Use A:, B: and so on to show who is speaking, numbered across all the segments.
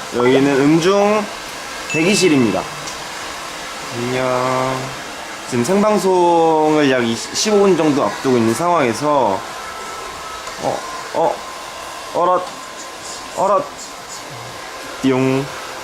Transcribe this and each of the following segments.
A: 여기는 음중 대기실입니다. 안녕. 지금 생방송을 약 15분 정도 앞두고 있는 상황에서 어랏 띠용.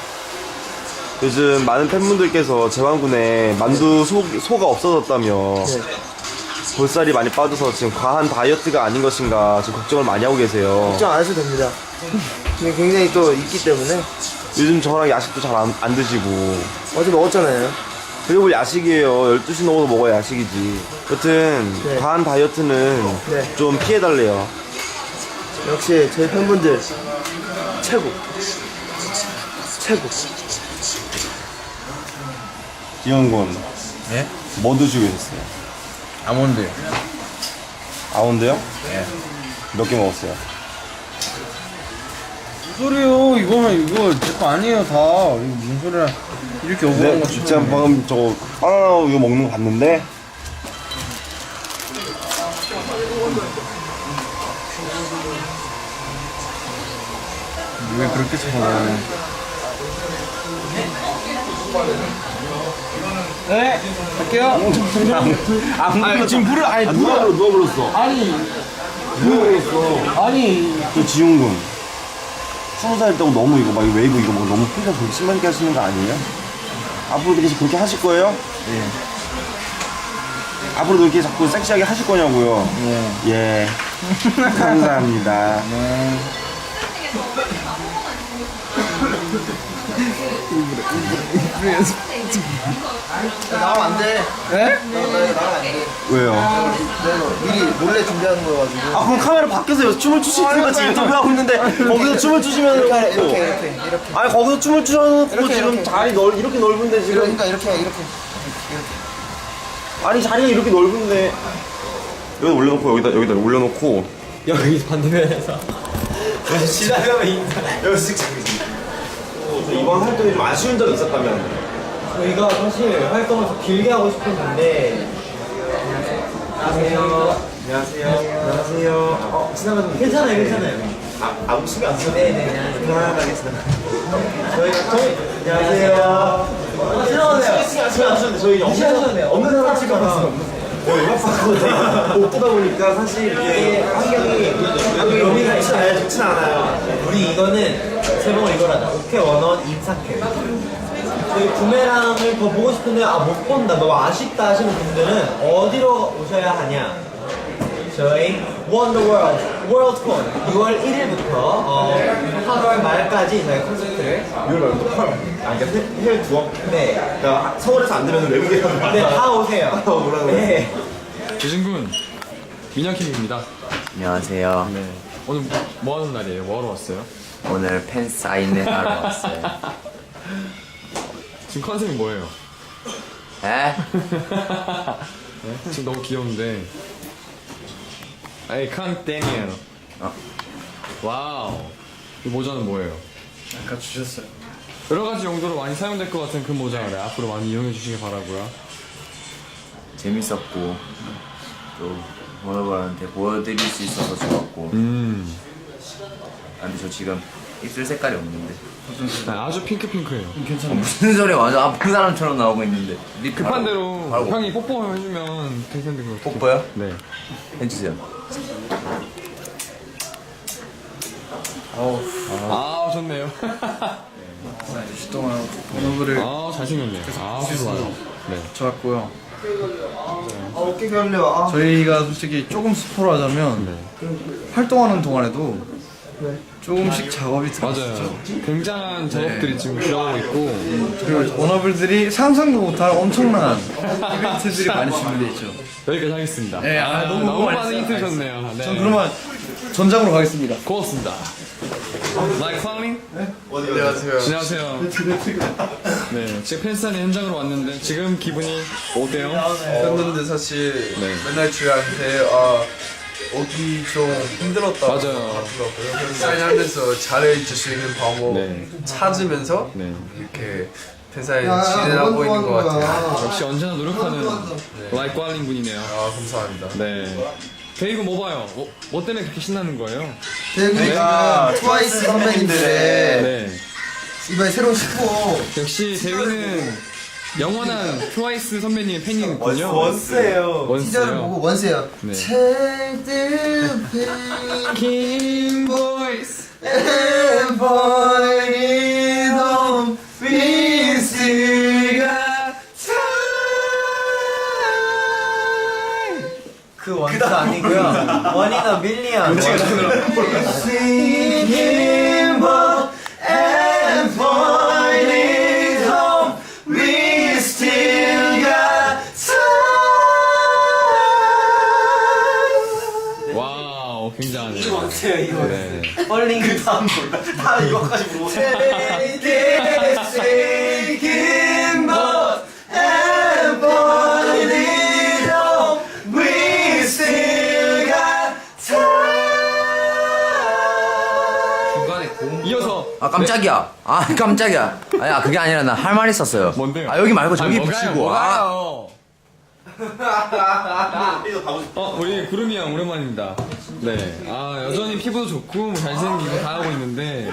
A: 요즘 많은 팬분들께서 제왕군에 만두 소가 없어졌다며 볼살이 많이 빠져서 지금 과한 다이어트가 아닌 것인가 지금 걱정을 많이 하고 계세요.
B: 걱정 안 하셔도 됩니다. 굉장히 또 있기 때문에.
A: 요즘 저랑 야식도 잘 안 드시고
B: 어제 먹었잖아요.
A: 그리고 야식이에요. 12시 넘어서 먹어야 야식이지. 여튼
B: 네.
A: 과한 다이어트는
B: 네.
A: 좀 피해달래요.
B: 역시 저희 팬분들 최고. 최고.
A: 기영군
C: 네?
A: 뭐 드시고 계셨어요?
C: 아몬드.
A: 아몬드요?
C: 예.
A: 몇 개 먹었어요?
C: 무슨 소리요? 이거 제 거 아니에요, 다. 이거 무슨 소리야. 이렇게 오버한
A: 네,
C: 거
A: 진짜 방금 저거 바나나 우유 먹는 거 봤는데
C: 왜 그렇게 쳐요? 네, 갈게요. 아니, 지금 물을, 아니,
A: 누가 불렀어?
C: 아니,
A: 누가 불렀어?
C: 아니.
A: 저 지훈군 20살 때고 너무 이거 막 웨이브 이거 막 너무 풀려 그렇게 심하게 하시는 거 아니에요? 앞으로도 계속 그렇게 하실 거예요?
C: 예.
A: 앞으로도 이렇게 자꾸 섹시하게 하실 거냐고요? 예. 감사합니다.
C: 네.
B: 나가면 안 돼.
C: 네?
B: 나가면 안 돼.
A: 왜요?
B: 내가 미리 몰래 준비하는 거여가지고.
A: 아 그럼 카메라 밖에서 춤을 추시니까 지금 인터뷰 하고 있는데 거기서 춤을 추시면
B: 이렇게.
A: 아니 거기서 춤을 추셔놓고
B: 이렇게,
A: 지금
B: 이렇게.
A: 자리 이렇게 넓은데 지금
B: 그러니까 이렇게.
A: 아니 자리가 이렇게 넓은데 여기다 올려놓고 여기다 올려놓고
C: 여기 반대면에서. 지나가면 인사.
A: 여기 쓱 이번 활동이 좀 아쉬운 점이 있었다면
C: 저희가 사실 활동을 더 길게 하고 싶었는데.
A: 안녕하세요.
C: 지나가면 괜찮아요.
A: 아무 신경 안 써요.
C: 네네.
A: 편안하겠습니다.
C: 저희
A: 안녕하세요.
C: 지나가세요.
A: 신경 안 쓰는데 저희 없는 사람 찍어봤어요. 음악방송을 못 보다 보니까 사실 이게 환경이 좋진 않아요.
C: 우리 이거는 제목을 이걸 하자. 오케이 원원 임사캠. 저희 부메랑을 더 보고 싶은데 못 본다 너무 아쉽다 하시는 분들은 어디로 오셔야 하냐? 저희 원더월드 월드콘 6월 1일부터 8월 말까지 저희 콘서트를
A: 6월 말부터 8월. 아, 그러니까 해외 투어?
C: 네,
A: 그러니까 서울에서 안 되면 외국에 가는
C: 네, 다 오세요.
A: 뭐라고
C: 네.
D: 재진군 민혁킴입니다.
E: 안녕하세요.
D: 네. 오늘 뭐 하는 날이에요? 뭐 하러 왔어요?
E: 오늘 팬 사인회 하러 왔어요.
D: 지금 컨셉이 뭐예요?
E: 에?
D: 네? 지금 너무 귀여운데. 에이 칸 데니엘. 와우. 이 모자는 뭐예요?
C: 아까 주셨어요.
D: 여러 가지 용도로 많이 사용될 것 같은 그 모자를 앞으로 많이 이용해 주시길 바라고요.
E: 재밌었고 또 워너버한테 보여드릴 수 있어서 좋았고. 근데 저 지금 입술 색깔이 없는데.
D: 아주 핑크예요.
E: 무슨 소리야? 완전 아픈 사람처럼 나오고 있는데. 립
D: 급한
E: 바르고,
D: 대로
E: 바르고.
D: 형이 뽀뽀 해주면 괜찮은 것 같아요.
E: 뽀뽀요?
D: 네.
E: 해주세요.
D: 아 좋네요.
C: 2주 동안 번호부를
D: 아 잘생겼네요. 아주 좋아요. 네.
C: 좋았고요.
B: 어깨 결려.
C: 저희가 솔직히 조금 스포를 하자면 활동하는 동안에도 조금씩 작업이 들어갔어요.
D: 맞아요. 굉장한 작업들이 지금 들어가고 있고
C: 그리고 워너블들이 상상도 못할 엄청난 이벤트들이 많이 준비되어 있죠.
D: 여기까지 하겠습니다.
C: 네,
D: 너무 많은
C: 알겠어요.
D: 힌트 줬네요. 네.
C: 전 그러면 전장으로 가겠습니다.
D: 고맙습니다. Like climbing?
A: 안녕하세요.
D: 안녕하세요. 네, 지금 팬사인 현장으로 왔는데 지금 기분이 어때요?
F: 팬분들 사실
D: 네.
F: 맨날 저희한테 오기 좀 힘들었다고
D: 맞아요.
F: 하더라고요. 그래서 사인하면서 잘해줄 수 있는 방법
D: 네.
F: 찾으면서
D: 네.
F: 이렇게 팬사인 진행하고 있는 것 같아요.
D: 역시 언제나 노력하는 Like climbing 분이네요.
F: 감사합니다.
D: 네. 데이브 뭐 봐요? 뭐 때문에 그렇게 신나는 거예요?
B: 데뷔가 트와이스 선배님들의
D: 네.
B: 이번에 새로운 19호.
D: 역시 재민은 영원한 트와이스 선배님의 팬이군요.
A: 원스예요.
B: 티저를
D: 원스요.
B: 보고 원스예요.
D: 네.
B: Take the
D: King Boys.
B: and boy it home. We still got
C: 그 원스 아니고요. 원이나 밀리언.
B: Singing but and boy it home. We still got time.
D: 와우, 굉장하네요.
C: 어때요 이거?
D: 네.
C: 펄링 그 다음 다 이거까지 부르고.
B: Singing but and boy it home. We still got time.
F: 중간에 고음
D: 이어서
E: 아 깜짝이야. 아 깜짝이야. 아야 그게 아니라 나 할 말 있었어요.
D: 뭔데요?
E: 아 여기 말고 저기
D: 뭐가요,
E: 붙이고. 아
D: 뭐가요? 우리 구름이 형 오랜만입니다. 네. 아, 여전히 피부도 좋고, 뭐 잘생기고 다 하고 있는데.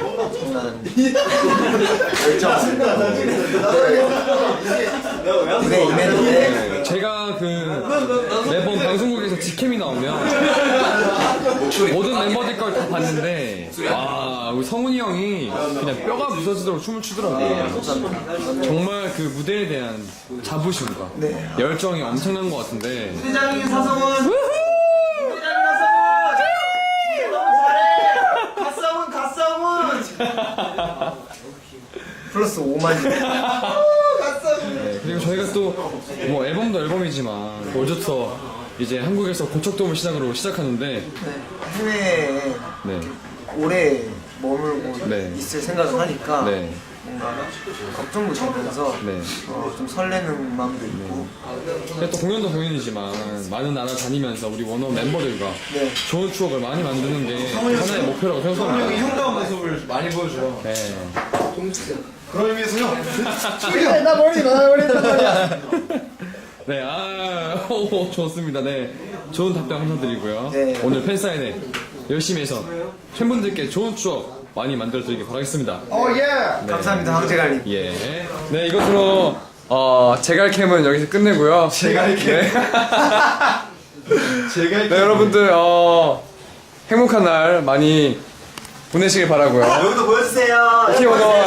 D: 네, 제가 그 매번 방송국에서 직캠이 나오면 모든 멤버들 걸 다 봤는데, 와, 우리 성훈이 형이 그냥 뼈가 부서지도록 춤을 추더라고요. 정말 그 무대에 대한 자부심과 열정이 엄청난 것 같은데.
C: 부장님 사성훈. 부장님 사성훈. 너무 잘해. 갓성훈.
B: 플러스 5만.
D: 네, 그리고 저희가 또 뭐 앨범도 앨범이지만 올주터 이제 한국에서 고척돔을 시작으로 시작하는데
B: 해외에
D: 네,
B: 오래 머물고
D: 네.
B: 있을 생각을 하니까
D: 네,
B: 뭔가 걱정도 되면서
D: 네.
B: 좀 설레는 마음도 있고.
D: 근데 또 공연도 공연이지만 많은 나라 다니면서 우리 원원 멤버들과
B: 네.
D: 좋은 추억을 많이 만드는 게 하나의 목표라고 생각합니다.
F: 흉가운 모습을 많이 보여줘요.
D: 네.
F: 그런 의미에서요.
B: 나 머리 나와버린단 말이야.
D: 네, 아, 오, 좋습니다. 네, 좋은 답변 감사드리고요.
B: 네.
D: 오늘 팬사인회 열심히 해서 팬분들께 좋은 추억 많이 만들어드리길 바라겠습니다.
B: 예. 감사합니다 황제갈님.
D: 예. 네, 이것으로 제갈캠은 여기서 끝내고요. 제갈캠. 네. 네, 여러분들 행복한 날 많이 보내시길 바라고요.
C: 여기도 보여주세요.
D: 키워너